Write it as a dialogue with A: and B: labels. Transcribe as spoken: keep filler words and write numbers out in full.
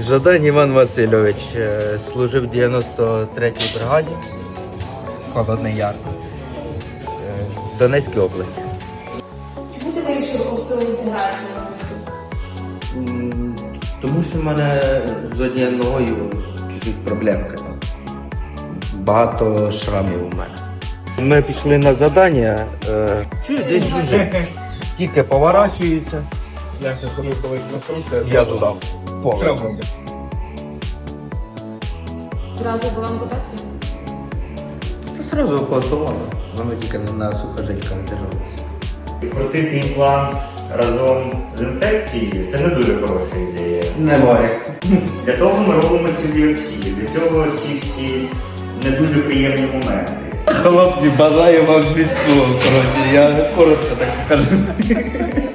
A: Жадан Іван Васильович е, служив в дев'яносто третій бригаді, Холодний Яр, е, в Донецькій області.
B: Чому ти вирішив постійну інтеграцію?
A: М, Тому що в мене з однією ногою чуть-чуть проблемка. Багато шрамів у мене. Ми пішли на завдання, е, чую, десь жужжить. Тільки поворачується.
C: Я сейчас коли коли накрутив,
A: Я туди поле.
B: Зразу була ампутація?
A: Це одразу оплатовано. Воно тільки на сухожильках держалося.
D: Крутити імплант разом з інфекцією – це не дуже хороша ідея.
A: Немає.
D: Для того ми робимо цю біопсію. Для цього ці всі не дуже приємні моменти.
A: Хлопці, бажаю вам військового, коротше, я коротко так скажу.